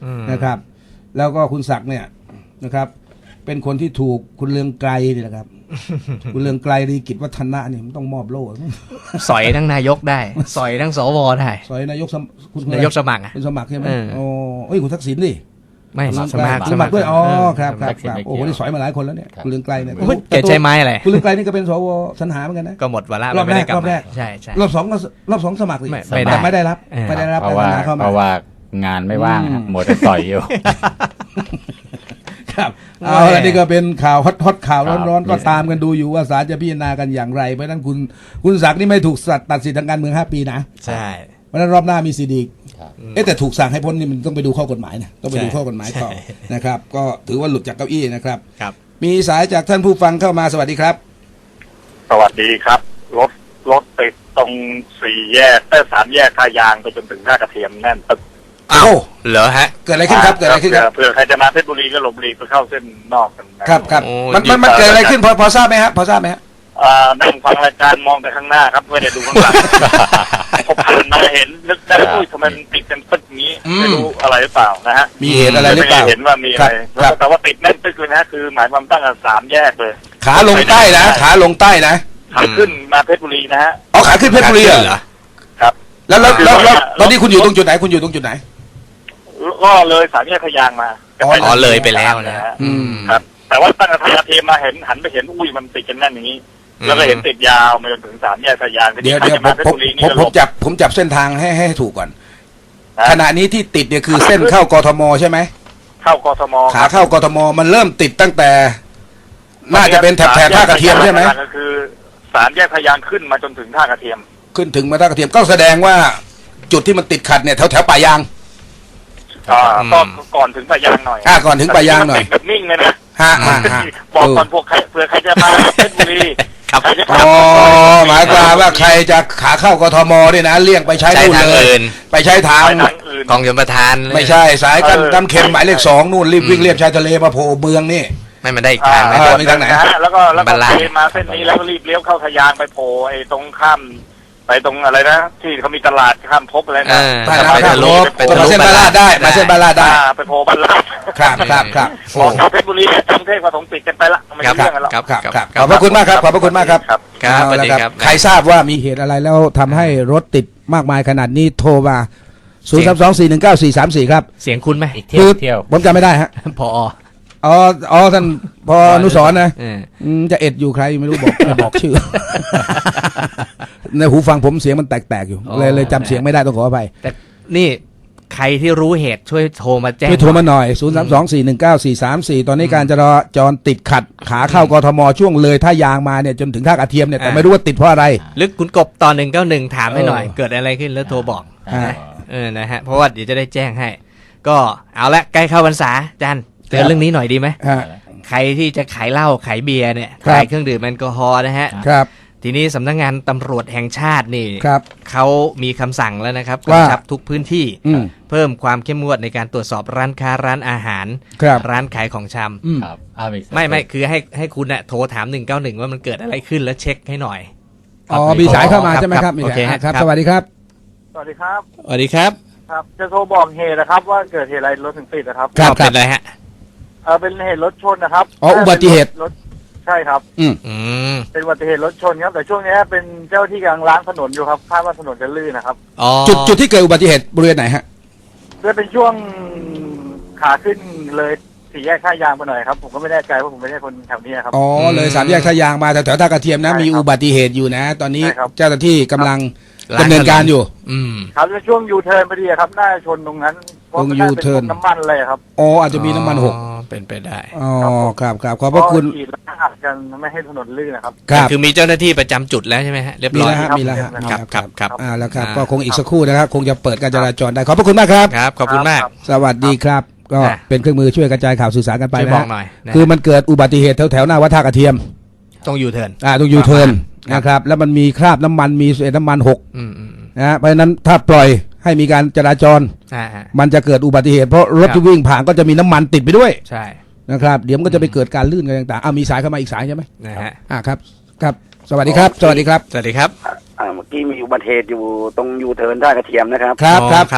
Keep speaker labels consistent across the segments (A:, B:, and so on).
A: นะครับ แล้วก็คุณศักดิ์เนี่ยนะครับ เป็นคนที่ถูกคุณเลืองไกรนี่แหละครับ คุณเลืองไกรดีกิจวัฒนะเนี่ยมันต้องมอบโล่
B: สอยทั้งนายกได้สอยทั้งสวได้
A: สอยนายกคุณ
B: นายกสมัครอ่ะ
A: เป็นสมัครใช่ไหมโอ้ยคุณทักษิณดิ
B: ไม่สมัคร
A: ด้วยอ๋อครับโอ้โหนี่สอยมาหลายคนแล้วเนี่ยคุณเลืองไกรเนี่ย
B: แกใช้ไม้อะไร
A: คุณเลืองไกรนี่ก็เป็นสวสรรหาเหมือนกันนะ
B: ก็หมดวาระ
A: รอบแรก
B: ไม่ได้ลั
A: รอบแรก
B: ใช่ใช่
A: รอบสองสมัครสิ
B: ไม่ได้
A: แต่ไม่ได้รับ
C: เพราะว่างานไม่ว่างหมดแต่ต่อยอยู่
A: ครับเอาละนี่ก็เป็นข่าวฮอตข่าวร้อนๆก็ตามกันดูอยู่ว่าศาลจะพิจารณากันอย่างไรเพราะฉะนั้นคุณศักดิ์นี่ไม่ถูกตัดสิทธิทางการเมือง5 ปีนะ
B: ใช่
A: เพราะฉะนั้นรอบหน้ามีสิทธิ์อีกแต่ถูกสั่งให้พ้นนี่มันต้องไปดูข้อกฎหมายนะต้องไปดูข้อกฎหมายต่อนะครับก็ถือว่าหลุดจากเก้าอี้นะครับ
B: ครับ
A: มีสายจากท่านผู้ฟังเข้ามาสวัสดีครับ
D: สวัสดีครับรถติดตรง3 แยกท่ายางไปจนถึงท่ากระเทียมแน่นตึก
B: อ้าวเหรอฮะ
A: เกิดอะไรขึ้นครับเกิดอะไรขึ้นครับ
D: เผื่อใครจะมาเพชรบุรีก็หลบหลีกไปเข้าเส้นนอกกันนะครับ
A: ครับ
B: โอ้
A: มันเกิดอะไรขึ้นพอทราบไหมฮะพอทราบไหมฮะ
D: นั่งฟังรายการมองแต่ข้างหน้าครับไม่ได้ดูข้างหลังพอผ่านมาเห็นนึกได้อุ้ยทำไมมันติดกันตึกนี้ไม่รู้อะไรหรือเปล่านะฮะ
A: มีเหตุอะไรหรือเปล่า
D: ไม่เห็นว่ามีอะไรแต่ว่าติดแน่นตึกเลยนะคือหมายความตั้งแต่3 แยกเลย
A: ขาลงใต้นะขาลงใต้นะ
D: ขาขึ้นมาเพชรบุรีนะฮะ
A: อ๋อขาขึ้นเพชรบุรีเหรอ
D: ครับ
A: แล้วตอนนี้คุณอยู่ตรงจุดไหนคุณอยู่ตรงจุดไหน
D: ก็เลย3 แยกทายางมา
B: อ๋อเลยไปแล้วนะ
D: ครับแต่ว่าตั้งแต่ทางเทมาเห็นหันไปเห็นอุ้ยมันติดกันแน่นอย่างนี้แล้วก็เห็นติดยาวมาจนถึง3 แยกทะยาน
A: เดี๋ยวผมจับเส้นทางให้ถูกก่อนขณะนี้ที่ติดเนี่ยคือเส้นเข้ากทมใช่ไหม
D: เข้ากทม
A: ขาเข้ากทมมันเริ่มติดตั้งแต่น่าจะเป็นแถบท่ากระเทียมใช่ไหม
D: ก็คือ3 แยกทะยานขึ้นมาจนถึงท่ากระเทียม
A: ขึ้นถึงมาท่ากระเทียมก็แสดงว่าจุดที่มันติดขัดเนี่ยแถวป่ายาง
D: ก็ก่อนถึงปะยางหน่อย
A: ก่อนถึงป่ายางหน่อย
D: ติดแบบนิ่งเลยนะ
A: ฮะ
D: บอกก่อนพวกใครเผื่อใครจะมาเพชรบุรี
B: ครับ
D: ใครจะ
A: อ๋อหมายความว่าใครจะขาเข้ากทมเนี่ยนะเลี่ยงไปใช้
B: ใช้
A: นู่น
B: ทาง
A: เลย
B: อื่น
A: ไปใช้ทาง
D: ไปทางอื่น
B: กองชลประทานเลย
A: ไม่ใช่สายกันน้ำเค็มหมายเลข 2นู่นรีบวิ่งเลียบชายทะเลมาโผล่เมืองนี่
B: ไม่มันได้อีกทางไหม
A: ไปทางไหน
D: แล้วก็
B: บัลลังก์
D: เทมาเส้นนี้แล้วก็รีบเลี้ยวเข้าทะยานไปโผล่ไอ้ตรงข้ามไปตรงอะไรนะที่เขามีตลาดข้ามภพอะไรนะ
A: ไป
B: ไปทะลุไป
A: ก็
B: ทะ
A: มา
B: ลุ
A: เส้นบาลาดได้มาเส้นบาลาดได้
D: ไปโผล่บัลลังก์
A: ครับ
D: บอกชาวเพชรบุรีเนี่ยกรุงเทพมาถมติดกันไปละไม่
B: ครั
D: ใช่
B: บ
D: เรื่องกันหรอก
A: ครับขอบพระคุณมากครับขอบพระคุณมากครับ
D: ครับ
B: ครับสวัสดี
A: เอาละ
B: ครับ
A: ใครทราบว่ามีเหตุอะไรแล้วทำให้รถติดมากมายขนาดนี้โทรมา032419434ครับ
B: เสียงคุณไหม
C: อีกเที่ยว
A: ผมจำไม่ได้ฮะ
B: พอ
A: อ๋อท่านพออนุสรณ์นะ
B: เออ
A: จะเอ็ดอยู่ใครไม่รู้บอกไม่บอกชื่อ ในหูฟังผมเสียงมันแตกๆอยู่เลยจำเสียงไม่ได้ต้องขออภัย
B: แต่นี่ใครที่รู้เหตุช่วยโทรมาแจ้ง
A: ช่วยโทรมาหน่อย032419434ตอนนี้การจราจรติดขัดขาเข้ากทมช่วงเลยท่ายางมาเนี่ยจนถึงท่ากระเทียมเนี่ยแต่ไม่รู้ว่าติดเพราะอะไร
B: ลึกคุณกบตอน191ถามให้หน่อย
A: เออ
B: เกิดอะไรขึ้นแล้วโทรบอก
A: ฮะ
B: นะฮะเพราะว่าเดี๋ยวจะได้แจ้งให้ ก็เอาละใกล้เข้าพรรษาจันเตือนเรื่องนี้หน่อยดีไหม
A: ฮะ
B: ใครที่จะขายเหล้าขายเบียร์เนี่ย
A: ครับ
B: ขายเครื่องดื่มแอลกอฮอล์นะฮะ
A: ครับ
B: ทีนี้สำนักงานตำรวจแห่งชาตินี่
A: ครับ
B: เขามีคำสั่งแล้วนะครับ
A: ว่าก
B: ำชับทุกพื้นที่
A: อืม
B: เพิ่มความเข้มงวดในการตรวจสอบร้านค้าร้านอาหาร
A: ครับ
B: ร้านขายของชำ
A: อืม
C: ครับ
B: ไม่คือให้คุณน่ะโทรถาม191ว่ามันเกิดอะไรขึ้นแล้วเช็คให้หน่อย
A: อ๋อมีสายเข้ามา
B: ครับ
A: ใช่ไหมครับ
B: โอเค
A: ครับ
B: ครับ
A: สวัสดีครับ
D: สวัสดีครับ
B: สวัสดีครับ
D: ครับ จะโทรบอกเหตุนะครับ ว่าเกิดเหตุอะไรรถถึงติดนะครับ
A: ครับ
B: เป็นอะไรฮะ
D: เป็นเหตุรถชนนะครับ
A: อ๋ออุบัติเหตุ
D: รถใช่ครับ
B: อืม
D: เป็นอุบัติเหตุรถชนครับแต่ช่วงนี้เป็นเจ้าที่กำลังล้างถนนอยู่ครับคาดว่าถนนจะลื่นนะครับ
B: อ๋อ
A: จุดที่เกิดอุบัติเหตุบริเวณไหนฮะ
D: ด้วยเป็นช่วงขาขึ้นเลย4 แยกท่ายางไปหน่อยครับผมก็ไม่แน่ใจว่าผมไม่ใช่คนแถวนี้ครับ
A: อ๋อเลย3 แยกท่ายางมาแถวท่ากระเทียมนะ
D: ใช่ครับ
A: มีอุบัติเหตุอยู่นะ ตอนนี้
D: ใช่ครับ
A: เจ้าหน้าที่กำลังดำเนินการอยู่
B: อืม
D: ครับในช่วงยูเทิร์นพอดีครับน่าจะชนตรงนั้นเพราะมันน่าจะเป็น
A: U-turn
D: พวกน้ำมันเลยครับ
A: อ๋ออาจจะมีน้ำมันหก
B: อ๋อเป็นไปได้
A: อ๋อครับขอบพระคุณ
D: เพาขีดแล้วอัดกันไม่ให้ถนนลื่นนะครับ
A: ครับ
B: คือมีเจ้าหน้าที่ประจำจุดแล้วใช่ไหมฮะเรียบ
A: มี
B: ร้อย
A: แล้วฮะ
D: ครับ
A: มีแล้วฮะ
B: ครับ
A: แล้วครับก็คงอีกสักครู่นะครับคงจะเปิดการจราจรได้ขอบพระคุณมากครับ
B: ครับขอบคุณมาก
A: สวัสดีครับ ก็
B: นะ
A: เป็นเครื่องมือช่วยกระจายข่าวสื่อสารกันไป
B: ช่วย
A: นะ
B: บอก
A: ฮะ
B: หน่อยนะ
A: คือมันเกิดอุบัติเหตุแถวหน้าวัดท่ากระเทียม
B: ต้องยูเทิร์น
A: ตรงยูเทิร์น
B: ครับ
A: นะครับแล้วมันมีคราบน้ำมันมีเศษน้ำมันหก
B: อืม
A: นะฮะเพราะฉะนั้นถ้าปล่อยให้มีการจราจร
B: ฮะ
A: มันจะเกิดอุบัติเหตุเพราะรถ
B: ครับ
A: ที่วิ่งผ่านก็จะมีน้ำมันติดไปด้วย
B: ใช่
A: นะครับเดี๋ยวมันก็จะไปเกิดการลื่นกันต่างๆมีสายเข้ามาอีกสายใช่ไหม
B: นะฮะ
A: ครับสวัสดีครับสวัสดีครับ
B: สวัสดีครับ
E: เมื่อกี้มีอุบัติเหตุอยู่ตรงยูเทิร์นท่ากระเทียมนะครับ
A: ครับ
B: อ๋อ
A: ครับ
B: ครับ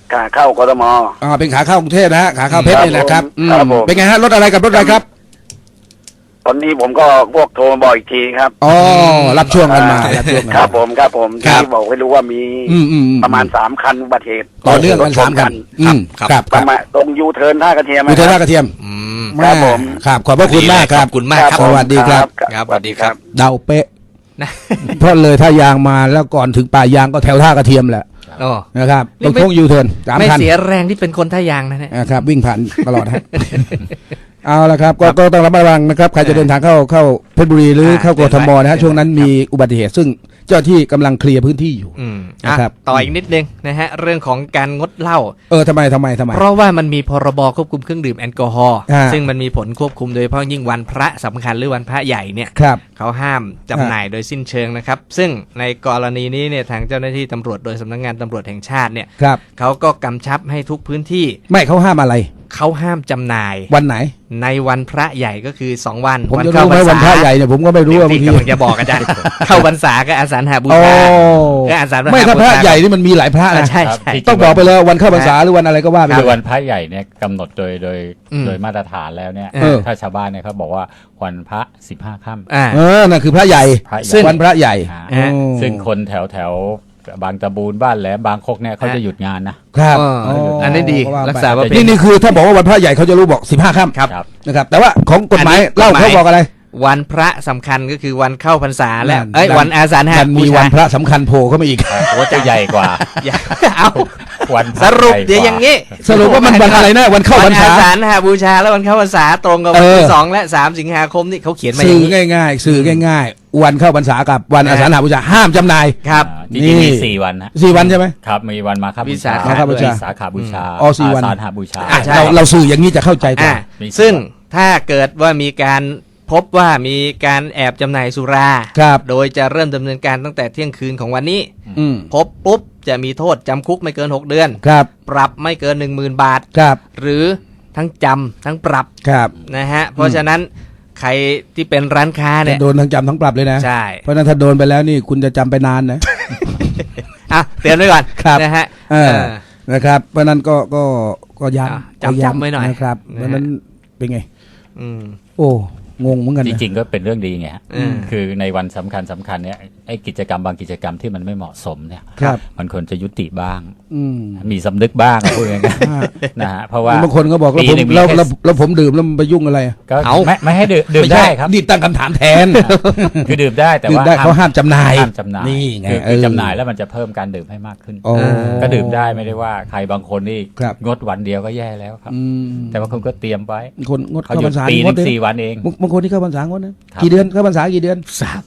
E: ขาเข้ากทม
A: เป็นขาเข้ากรุงเทพนะฮะขาเข้าเพชรนี่นะครับ
E: ครับผม
A: เป็นไงฮะรถอะไรกับรถอะไรครับ
E: ตอนนี้ผมก็พวกโทรมาบอกอีกทีครับ
A: อ๋อรับช่วงกันมารับช่วงกัน
E: ครับผมครับผม
A: ครับ
E: ที่บอกให้รู้ว่ามี ประมาณ3 คันอุบัติเหตุ
A: ต่อเนื่องกันสามคันครับ
E: ประมาณตรงยูเทิร์นท่ากระเทียม
A: อุทัยท่ากระเทียม
B: อืม
E: ครับผม
A: ครับขอบพระคุณมากครับ
B: ขอบคุณมากครับ
A: สวัสดีครับ
B: ครับสวัสดีครับ
A: เดาเป๊ะ
B: นะ
A: เพราะเลยท่ายางมาแล้วก่อนถึงป่ายางก็แถวท่ากระเทียมแหละ
B: โอ้
A: นะครับ
B: นี่
A: ตรง
B: ไม่
A: โค้งยูเทิร์นสาม
B: ไม่
A: คัน
B: เสียแรงที่เป็นคนท่ายางนะเนี่ย
A: นะครับวิ่งผ่านตลอดฮะ เอาละครับก็ต้องระมัดระวังนะครับใครจะเดินทางเข้าเพชรบุรีหรือเข้ากทมนะฮะช่วงนั้นมีอุบัติเหตุซึ่งเจ้าที่กำลังเคลียร์พื้นที่อยู่
B: นะครับต่ออีกนิดนึงนะฮะเรื่องของการงดเหล้า
A: ทำไม
B: เพราะว่ามันมีพรบควบคุมเครื่องดื่มแอลกอฮอล์
A: อ่า
B: ซึ่งมันมีผลควบคุมโดยเฉพาะยิ่งวันพระสำคัญหรือวันพระใหญ่เนี่ย
A: ครับ
B: เขาห้ามจำหน่ายโดยสิ้นเชิงนะครับ ซึ่งในกรณีนี้เนี่ยทางเจ้าหน้าที่ตำรวจโดยสำนักงานตำรวจแห่งชาติเนี่ย
A: ครับ
B: เขาก็กำชับให้ทุกพื้นที่
A: ไม่เขาห้ามอะไร
B: เขาห้ามจำหน่าย
A: วันไหน
B: ในวันพระใหญ่ก็คือ2วัน
A: ผมจะ
B: เข้า
A: รู้ไหมวันพระใหญ่เนี่ยผมก็ไม่รู้
B: เดี๋ยว
A: ว่าบาง
B: พี่
A: ที
B: กำลังจะบอกอาจารย์ เข้าพรรษาก็อาสาฬหบู
A: โอ้
B: ชาก็อาสาฬหบูชา
A: ไม่ถ้าพระใหญ่นี่มันมีหลายพระนะ
B: ใช่ใช่
C: ครับ
A: ต้องบอกไปเลยวันเข้าพรรษาหรือวันอะไรก็ว่าไป
C: คื
A: เล
C: อย วันพระใหญ่เนี่ยกำหนด
B: อืม
C: โดยมาตรฐานแล้วเนี่ย
A: เออ
C: ถ้าชาวบ้านเนี่ยเขาบอกว่าวันพระ15 ค่ำ
B: อ่า
A: นั่นคือพระใหญ่
C: พระใหญ่
A: ซึ่งวันพระใหญ่
C: อ่า
B: ฮะ
A: โอ้
C: ซึ่งคนแถวบางตะบูนบ้านแหลมบางคกเนี่ยเขาจะหยุดงานนะครับ
B: อันนี้ดี
A: ก็ว่าไป
B: รักษาว่าเป็น
A: นี่คือถ้าบอกว่าวันพระใหญ่เขาจะรู้บอก15 ค่ำ
B: ครับ
C: ครับ
A: นะครับแต่ว่าของกฎหมาย
B: อันนี้
A: เล่าก
B: ฎหมาย
A: เขาบอกอะไร
B: วันพระสำคัญก็คือวันเข้าพรรษาและ
A: นั่น
B: วันอาสาฬห
A: มัน
B: บู
A: มี
B: ชา
A: วันพระสำคัญโผล่เข้ามาอีก
C: โอ้จะใหญ่กว่า
B: อย่าเอา
C: วันพ
B: ส
C: ระ
B: รุป
C: ใหญ่ก
B: เดี๋ยวอย่างนี้
A: สรุปว่ามันวันอะไรนะวันเข้าพรรษา
B: วันอาสาฬหบูชาและวันเข้าพรรษาตรงกับวัน
A: เอ
B: ที่
A: อ
B: 2 และ 3 สิงหาคมนี่เขาเขียนมาอ
A: สื่
B: ย่า
A: อง
B: นี้
A: ง่ายๆวันเข้าพรรษากับวันอาสาฬหบูชาห้ามจำหน่าย
B: ครับ
C: จริงๆ
A: นี่
C: มี4 วันนะ
A: 4 วันใช่ไหม
C: ครับมีวันมาฆบู
B: วิ
C: ชา
B: สาขบูชา
C: วิสาขาบูชา
A: อ๋อ4 วัน
C: อาสาฬหบูชา
B: อ่ะใช่
A: เราสื่ออย่างนี้จะเข้าใจกว่า
C: มี
B: ซึ่งถ้าเกิดว่ามีการพบว่ามีการแอบจำหน่ายสุรา
A: ครับ
B: โดยจะเริ่มดำเนินการตั้งแต่เที่ยงคืนของวันนี้
A: อืม
B: พบปุ๊บจะมีโทษจำคุกไม่เกิน 6 เดือน
A: ครับ
B: ปรับไม่เกิน 10,000 บาท
A: ครับ
B: หรือทั้งจำทั้งปรับ
A: ครับ
B: นะฮะ เพราะฉะนั้นใครที่เป็นร้านค้า
A: จะ
B: เนี่ย
A: โดนทั้งจำทั้งปรับเลยนะ
B: ใช่
A: เพราะฉะนั้นถ้าโดนไปแล้วนี่คุณจะจำไปนานนะ
B: อ่ะเตือนไว้ก่อน
A: ครับ
B: นะฮะ
A: เออนะครับเพราะฉะนั้นก็ย้
B: อ่ะ
A: ำก็
B: จำไว้หน่อย
A: นะครับ
B: นะฮะ
A: เพราะฉะนั้นเป็นไง
B: อืม
A: โอ้งงเหมือนกัน
C: จ
A: นะ
C: ริงๆก็เป็นเรื่องดีไงฮะ
B: อืม
C: คือในวันสำคัญเนี่ยไอ้กิจกรรมบางกิจกรรมที่มันไม่เหมาะสมเนี่ย
A: ครับ
C: มันควรจะยุติบ้าง
A: อืม
C: มีสำนึกบ้างพูดง่ายๆนะฮะเพราะว่า
A: บางคนก็บอกแล้ว
C: ปี
A: ผม
C: หนึ่งมี
A: แล้ว
C: แค่
A: แล้วผมดื่มแล้วมันไปยุ่งอะไร
C: ก็
B: เอา
C: ไม่ให้ดื่ม
A: ไม่ใช่
C: ได้ครับ
A: นี่ตั้งคำถามแทน
C: คือดื่มได้แต่
A: ดื่ม
C: ว่า
A: ได้เขาห้ามจำหน่าย
C: ห้ามจำหน่าย
A: นี่ไง
C: คือจำหน่ายแล้วมันจะเพิ่มการดื่มให้มากขึ้น
A: โอ้
C: ก็ดื่มได้ไม่ได้ว่าใครบางคนนี่
A: ครับ
C: งดวันเดียวก็แย่แล้วครับ
A: อืม
C: แต่ว่าคุณก็เตรียมไว้
A: คนงด
C: เขา
A: เข้า
C: หยุ
A: พร
C: ด
A: รษา
C: ปีห
A: ง
C: นึ
A: ด
C: ง
A: เลย
C: 4 วันเอง
A: บางคนที่เข้าพรรษางดนะครับ กี่เดือนเข้าพรรษากี่เดือน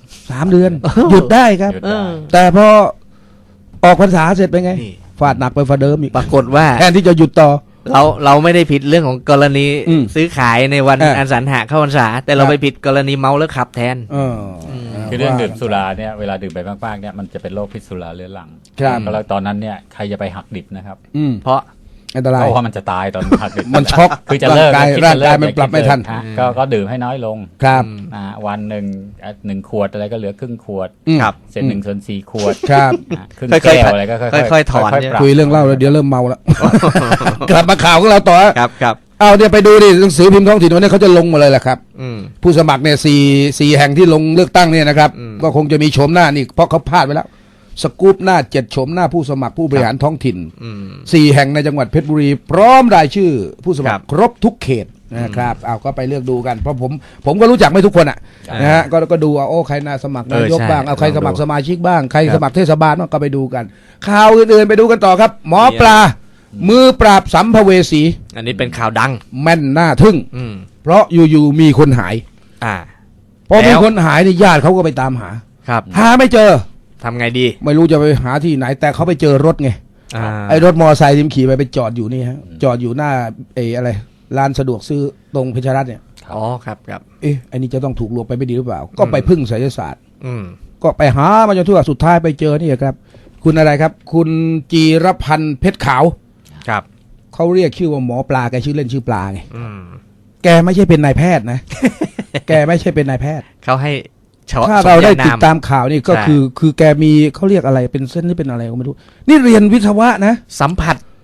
A: 3 เดือน หยุดได้ครับ
C: หยุดได้
A: แต่พอออกพรรษาเสร็จเป็นไง
B: นี่
A: ฟาดหนักไปฝ่าเดิมอีก
B: ปรากฏว่า
A: แทนที่จะหยุดต่อ
B: เราไม่ได้ผิดเรื่องของกรณี
A: อืม
B: ซื้อขายในวัน
A: อ่ะ
B: อาสาฬหเข้าพรรษาแต่เรา
A: ครับ
B: ไปผิดกรณีเมาแล้วขับแทน
A: เออ
C: คือเรื่องดื่มสุราเนี่ยเวลาดื่มไปมากๆเนี่ยมันจะเป็นโรคพิษสุราเรื้อรัง
A: ครับ
C: แล้วตอนนั้นเนี่ยใครจะไปหักดิบนะครับ
A: อืม
B: เพราะ
A: อันตราย
C: เพราะว่ามันจะตายตอนหักดิบ
A: มันช็อก
C: คือจะเลิก
A: ร่างกาย
C: คิดจะเลิ
A: ร่างกายมันปรับไม่ทัน
C: ฮะก็ดื่มให้น้อยลง
A: ครับ
C: วันหนึ่งขวดอะไรก็เหลือครึ่งขวด
A: อืม
B: ครับ
C: เสร็จ1/4 ขวด
A: ครับ
C: ครึ่ง
B: ค่อยๆ
C: แก้วอะไรก็ค่อยๆ
B: ถอน
C: ค่อย
B: เนี่ย
C: ๆปรับ
A: คุยเรื่องเล่าแล้วเดี๋ยวเริ่มเมาแล้ว กลับมาข่าวของเราต่อ
B: ครับครับ
A: เอาเนี่ยไปดูดิหนังสือพิมพ์ท้องถิ่นวันนี้เขาจะลงมาเลยแหละครับ
B: อืม
A: ผู้สมัครเนี่ยสี่แห่งที่ลงเลือกตั้งเนี่ยนะครับ
B: อืม
A: ก็คงจะมีโฉมหน้านี่เพราะเขาพลาดไปแล้ว สกู๊ปหน้า7โฉมหน้าผู้สมัครผู้บริหารท้องถิ่น
B: อืม
A: 4 แห่งในจังหวัดเพชรบุรี พร้อมรายชื่อผู้สมัค
B: ครั
A: ร
B: บ
A: ครบทุกเขตนะครับเอาก็ไปเลือกดูกันเพราะผมก็รู้จักไม่ทุกคนอ่ะนะฮะก็ดูเอาโอ้ใครน่าสมัครนายก
B: ใช่
A: บ้างเอาใคร
B: ลองดู
A: สมัครสมาชิกบ้างใคร
B: ครับ
A: สมัครเทศบาลบ้างก็ไปดูกัน ข่าวอื่นๆไปดูกันต่อครับ หมอปลา มือปราบสัมภเวสี
B: อันนี้เป็นข่าวดัง
A: แม่นหน้าทึ่ง
B: อืม
A: เพราะอยู่ๆมีคนหาย
B: อ่า
A: พอมี
B: แล้ว
A: คนหายนี่ญาติเขาก็ไปตามหา
B: ครับ
A: หาไม่เจอ
B: ทำไงดี
A: ไม่รู้จะไปหาที่ไหน แต่เขาไปเจอรถไง
B: อ่า
A: ไอ้รถมอเตอร์ไซค์ที่มันขี่ไปจอดอยู่นี่ฮะจอดอยู่หน้าอะไรร้านสะดวกซื้อตรงเพชรรัตน์เนี่ย
B: อ๋อครับครับ
A: เอ๊ะไอ้นี่จะต้องถูกลวงไปไม่ดีหรือเปล่า ก็ไปพึ่งไสยศาสตร์
B: อืม
A: ก็ไปหามาจนทั่วสุดท้ายไปเจอนี่ครับ คุณอะไรครับ คุณจีรพันธ์เพชรขาว
B: ครับ
A: เขาเรียกชื่อว่าหมอปลาแกชื่อเล่นชื่อปลาไง
B: อืม
A: แกไม่ใช่เป็นนายแพทย์นะ แกไม่ใช่เป็นนายแพทย์
B: เขาให้ช
A: ถ้าเราได้
B: สมญน
A: ติดตามข่าวนี่ก็
B: ใช่
A: คือแกมีเขาเรียกอะไรเป็นเส้นนี่เป็นอะไรก็ไม่รู้ นี่เรียนวิศวะนะ
B: สัมผัส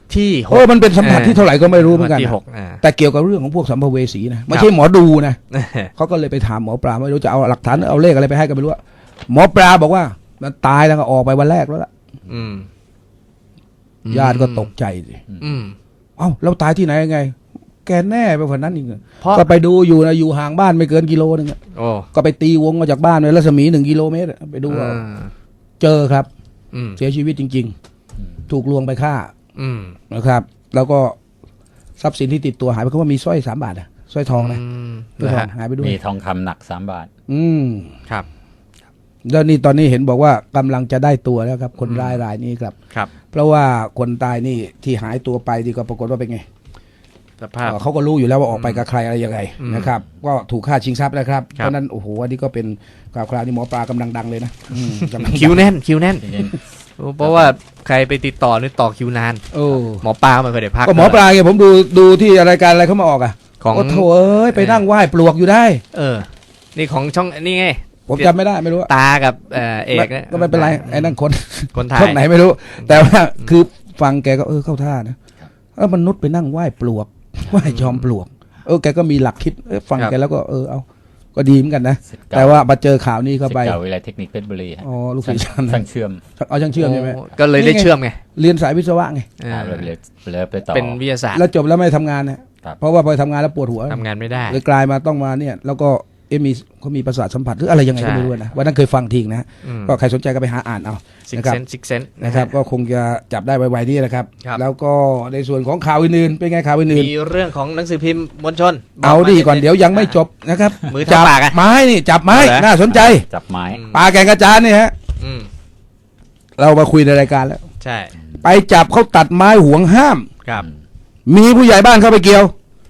B: ที่ห
A: โอ้
B: ก
A: มันเป็นสัมผัสที่เท่าไหร่ก็ไม่รู้เหมือนกัน
B: ที่
A: นะ
B: หก
A: แต่เกี่ยวกับเรื่องของพวกสัมภเวสีนะไม่ใช่หมอดูนะเขาก็เลยไปถามหมอปลาไม่รู้จะเอาหลักฐานเอาเลขอะไรไปให้ก็ไม่รู้อะหมอปลาบอกว่ามันตายแล้วก็ออกไปวันแรกแล้วล่ะ
B: อืม
A: ญาติก็ตกใจสิ
B: อืม
A: เอ้าเราตายที่ไหนยังไง แกแน่ไปกว่านั้นอีกเหรอ
B: เพราะ
A: ก็ไปดูอยู่นะอยู่ห่างบ้านไม่เกินกิโลนึงอะ
B: โอ้
A: ก็ไปตีวงมาจากบ้านเลยรัศมี1 กิโลเมตรอะไปดูเอาเจอครับ
B: อืม
A: เสียชีวิตจริง ๆ ถูกลวงไปฆ่า
B: อืม
A: นะครับ แล้วก็ทรัพย์สินที่ติดตัวหายไปเขาว่ามีสร้อย3 บาทอะสร้อยทองนะสร้อยทองหายไปด้วย
C: มีทองคำหนัก3 บาท
A: อืม
B: ครับ
A: แล้วนี่ตอนนี้เห็นบอกว่ากำลังจะได้ตัวแล้วครับ คนร้ายรายนี้ครับ
B: ครับ
A: เพราะว่าคนตายนี่ที่หายตัวไปที่ก็ปรากฏว่าเป็นไง
B: สภาพ
A: เขาก็รู้อยู่แล้วว่าออกไปกับใครอะไรยังไง
B: อืม
A: นะครับ ก็ถูกฆ่าชิงทรัพย์นะครับ
B: ครับ
A: เพราะฉะนั้นโอ้โหอันนี้ก็เป็นข่าวคราวที่หมอปลากำลังดังเลยนะกำลัง
B: คิวแน่นคิวแน่น
C: จริง
B: เพราะว่าใครไปติดต่อนี่ต่อคิวนาน
A: โอ้
B: หมอปลาไม่เคยได้พัก
A: ก็หมอปลาไงผมดูที่รายการอะไรเขามาออกอ่ะ
B: ของ
A: โอ้โถเอ้ยไปนั่งไหว้ปลวกอยู่ได้
B: เออ นี่ของช่องนี่ไง
A: ผมจำไม่ได้ไม่รู้อะ
B: ตากับเอกเนี่ย
A: ก็ไม่เป็นไรไอ้นั่นคน
B: คนถ่าย
A: ช่องไหนไม่รู้ แต่ว่าคือฟังแกก็เข้าท่านะแล้วมนุษย์ไปนั่งไหว้ปลวกไหว้จอมปลวกแกก็มีหลักคิดฟังแกแล้วก็เอาก็ดีเหมือนกันนะ
C: ศิษย์เก่า
A: แต่ว่ามาเจอข่าวนี้เข้าไป
C: ศิษย์เก่าวิทยาลัยเทคนิคเพชรบุรีฮะ
A: อ๋อลูกศิษย์ฉัน
C: ช่างเชื่อม
A: เอาช่างเชื่อมใช่ไหม
B: โก็เลยได้เชื่อมไง
A: เรียนสายวิศวะไง
B: เออ
C: เลยไปต่อ
B: เป็นวิทยาศาสตร์
A: แล้วจบแล้วไม่ทำงานนะครับ เพราะว่าพอทำงานแล้วปวดหัว
B: ทำงานไม่ได้
A: เลยกลายมาต้องมาเนี่ย แล้วก็เขามีประสาทสัมผัสหรืออะไรยังไงก็ไม่รู้นะวันนั้นเคยฟังทิ้งนะ
B: อืม
A: ก็ใครสนใจก็ไปหาอ่านเอา
B: ซิก
A: นะครับ
B: เซนซิกเซน
A: นะครับก็คงจะจับได้ไวๆนี่นะครับ
B: ครับ
A: แล้วก็ในส่วนของข่าวอื่นๆเป็นไงข่าวอื่น
B: มีเรื่องของหนังสือพิมพ์มวลชน
A: ๆเอาดีก่อน
B: บม
A: เดี๋ยวยังไม่จบนะครับ
B: มือ
A: จั
B: ทำปากอะ
A: ไม้นี่จับไม้
B: เหรอ
A: น่าสนใจ
C: จับไม้
A: ปลาแก่งกระจานนี่ฮะ
B: อืม
A: เรามาคุยในรายการแล้ว
B: ใช่
A: ไปจับเขาตัดไม้ห่วงห้าม
B: ครับ
A: มีผู้ใหญ่บ้านเข้าไปเกี่ยว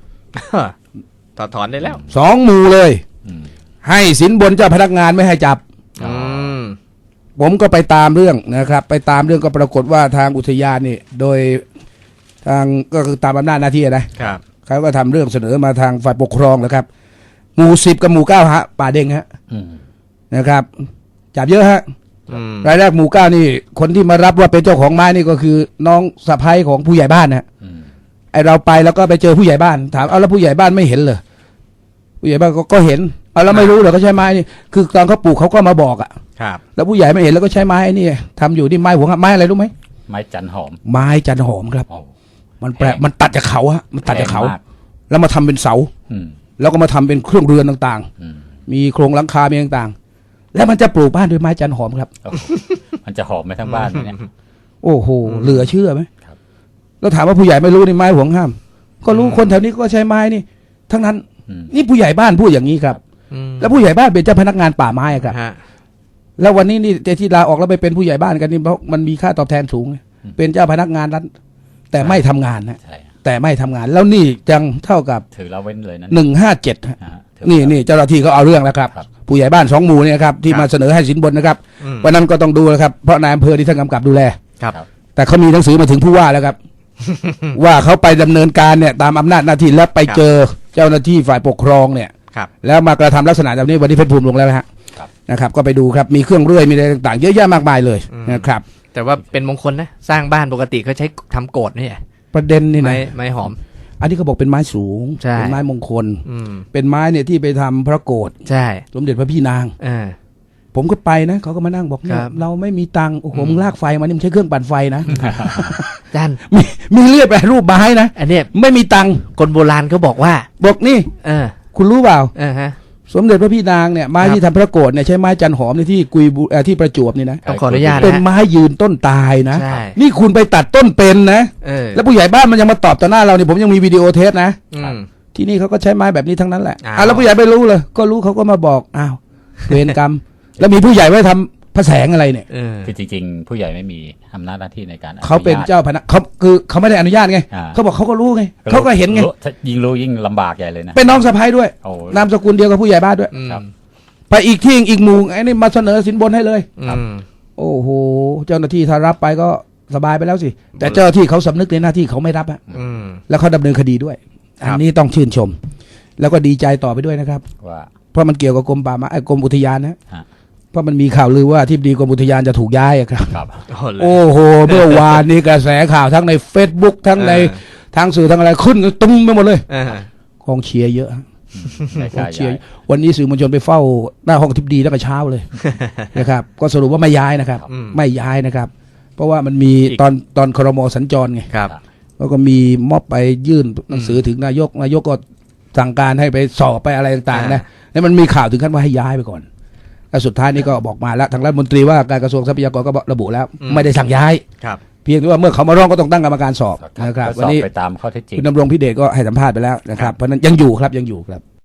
B: ถอนได้แล้ว
A: 2 หมู่เลย
C: อืม
A: ให้สินบนเจ้าพนักงานไม่ให้จับ
B: อืม
A: ผมก็ไปตามเรื่องนะครับ ไปตามเรื่องก็ปรากฏว่าทางอุทยานนี่ โดยทางก็คือตามอำนาจหน้าที่นะครับ เขาก็ทำเรื่องเสนอมาทางฝ่ายปกครองนะครับ หมู่ 10 กับหมู่ 9ฮะป่าเด้งฮะ
C: อืม
A: นะครับ จับเยอะฮะ
B: อืม
A: รายแรกหมู่ 9นี่ คนที่มารับว่าเป็นเจ้าของไม้นี่ก็คือน้องสะใภ้ของผู้ใหญ่บ้านนะ
C: อืม
A: ไอเราไปแล้วก็ไปเจอผู้ใหญ่บ้าน ถามเอาแล้วผู้ใหญ่บ้านไม่เห็นเหรอผู้ใหญ่บ้านก็เห็นเอาแล้วไม่รู้เหรอเขาใช้ไม้นี่คือตอนเขาปลูกเขาก็มาบอกอ่ะ
B: ครับ
A: แล้วผู้ใหญ่ไม่เห็นแล้วก็ใช้ไม้นี่ทำอยู่ที่ไม้หัวไม้อะไรรู้ไหม
C: ไม้จันหอม
A: ไม้จันหอมครับ
C: โอ้
A: มันแปลกมันตัดจากเขาฮะมันตัดจากเขา
C: แพงมาก
A: แล้วมาทำเป็นเสา
C: อืม
A: แล้วก็มาทำเป็นเครื่องเรือนต่าง
C: อืม
A: ๆ มีโครงหลังคามีต่างๆ แล้วมันจะปลูกบ้านด้วยไม้จันหอมครับ
C: โอ้โหมันจะหอมไปทั้งบ้านไหมเนี่ย
A: โอ้โหเหลือเชื่อไหม
C: ครับ
A: แล้วถามว่าผู้ใหญ่ไม่รู้นี่ไม้ห่วงห้าม ก็รู้คนแถวนี้ก็ใช้ไม้นี่ ทั้งนั้น
C: อืม
A: นี่ผู้ใหญ่บ้านพูดอย่างนี้ครับ
B: อืม
A: แล้วผู้ใหญ่บ้านเป็นเจ้าพนักงานป่าไม้อะครับ
B: ฮะ
A: แล้ววันนี้นี่ที่ลาออกแล้วไปเป็นผู้ใหญ่บ้านกันนี่เพราะมันมีค่าตอบแทนสูงไงเป็นเจ้าพนักงานรัฐแต่ไม่ทำงานนะ
C: ใช่
A: แต่ไม่ทำงาน แล้วนี่จังเท่ากับ
C: ถือละเว้นเลยนะ
A: 157ฮะ
C: ฮะถือ
A: นี่เจ้าหน้าที่เขาเอาเรื่องแล้วครับ
C: ครับ
A: ผู้ใหญ่บ้าน2 หมู่เนี่ยครับที่มาเสนอให้สินบนนะครับ
B: อืม
A: วันนั้นก็ต้องดูนะครับเพราะนายอำเภอที่ท่านกำกับดูแล
B: ครับ
A: แต่เขามีหนังสือมาถึงผู้ว่าแล้วครับ ว่าเขาไปดำเนินการเนี่ยตามอำนาจหน้าที่แล้วไปเจอเจ้าหน้าที่ฝ่ายปกครองเนี่ย
B: ครับ
A: แล้วมากระทำลักษณะแบบนี้วันนี้เพชรภูมิลงแล้วนะฮะ
C: ครับ
A: นะครับ ก็ไปดูครับมีเครื่องเรื่อยมีอะไรต่างๆ เยอะแยะมากมายเลยนะครับ
B: แต่ว่าเป็นมงคลนะ สร้างบ้านปกติเขาใช้ทำโกดนี่
A: ประเด็นนี่
B: ไม้
A: นะ
B: ไม้หอม
A: อันนี้เขาบอกเป็นไม้สูง
B: ใช่
A: เป็นไม้มงคล
B: อืม
A: เป็นไม้เนี่ยที่ไปทำพระโกฐ
B: ใช่
A: สมเด็จพระพี่นาง
B: เออ
A: ผมก็ไปนะเขาก็มานั่งบอกเนี่ย
B: ครับ
A: เราไม่มีตังค์โอ้โหมึงลากไฟมานี่มึงใช้เครื่องปั่นไฟนะ
B: จัน
A: มีเลือดแปรรูปไม้นะ
B: อันเนี้ย
A: ไม่มีตังค์
B: คนโบราณเขาบอกว่า
A: บอกนี่
B: เออ
A: คุณรู้เปล่า
B: ฮะ
A: สมเด็จพระพี่นางเนี่ยไม้
B: ครับ
A: ที่ทำพระโกฐเนี่ยใช้ไม้จันหอมในที่กุยบุที่ประจวบนี่นะ
B: ต้องขออนุญาต
A: เป็น
B: นะฮะ
A: ไม้ยืนต้นตายนะ
B: ใช่
A: นี่คุณไปตัดต้นเป็นนะ
B: เออ
A: แล้วผู้ใหญ่บ้านมันยังมาตอบต่อหน้าเราเนี่ยผมยังมีวิดีโอเทสนะ
B: อืม
A: ที่นี่เขาก็ใช้ไม้แบบนี้ทั้งนั้นแหละ
B: อ้าว
A: แล้วผู้ใหญ่ไม่รู้เลยก็รู้เขาก็มาบอกอ้าวเวรกรรม แล้วมีผู้ใหญ่ไว้ทำพระแสงอะไรเนี่ย
B: เออ
C: คือจริงๆ ผู้ใหญ่ไม่มีอำนาจหน้าที่ในการอญต
A: เขาเป็นเจ้าพนักเขาคือเขาไม่ได้อนุญาตไง
C: อ่า
A: เขาบอกเขาก็รู้ไงเขาก็เห็นไง
C: รู้ถ้ายิ่งรู้ยิ่งลำบากใหญ่เลยนะ
A: เป็นน้องสะใภ้ด้วย
C: โอ้
A: นามสกุลเดียวกับผู้ใหญ่บ้านด้วย
B: อืม
C: ครับ
A: ไปอีกที่อีกหมู่ไอ้นี่มาเสนอสินบนให้เลย
B: อืม
A: โอ้โหเจ้าหน้าที่ถ้ารับไปก็สบายไปแล้วสิแต่เจ้าหน้าที่เขาสำนึกในหน้าที่เขาไม่รับอะ
B: อืม
A: แล้วเขาดำเนินคดีด้วย
B: ครับ
A: อันนี้ต้องชื่นชม แล้วก็ดีใจต่อไปด้วยนะครับ
C: ว่า
A: เพราะมันเกี่ยวกับกรมป่าไม้กรมอุทยานนะ
C: ฮะ
A: เพราะมันมีข่าวลือว่าที่ดีกรมอุทยานจะถูกย้ายอะครับ
C: ครับ
A: โอ้โหเมื่อวานนี้กระแสข่าวทั้งใน Facebook ทั้งในทางสื่อทางอะไรขึ้นตุ้มไปหมดเลยกองเชียร์เยอะ
C: ไม่
A: กอ
C: ใช่
A: งเชียร์วันนี้สื่อมวลชนไปเฝ้าหน้าห้องทิบดีตั้งแต่เช้าเลย นะครับก็สรุปว่าไม่ย้ายนะครับ ไม่ย้ายนะครับ เพราะว่ามันมีตอนครม.สัญจรไง
B: ครับ
A: แล้วก็มีม็อบไปยื่นหนังสือถึงนายกก็สั่งการให้ไปสอบไปอะไรต่างๆนะแล้วมันมีข่าวถึงขั้นว่าให้ย้ายไปก่อนแล้วสุดท้ายนี่ก็บอกมาแล้วทางรัฐมนตรีว่าการกระทรวงทรัพยากรก็ระบุแล้วไม่ได้สั่งย้าย
B: ครับ
A: เพียงแต่ว่าเมื่อเขามาร้องก็ต้องตั้งกรรมการสอบ
C: ครับ
A: นะครับ
C: ก็
A: วั
C: ส
A: น
C: อบ
A: นี้
C: ไปตามข้อเท็จจริง
A: คุณดำรงพิเดชก็ให้สัมภาษณ์ไปแล้วนะครับเพราะฉะนั้นยังอยู่ครับยังอยู่ครับ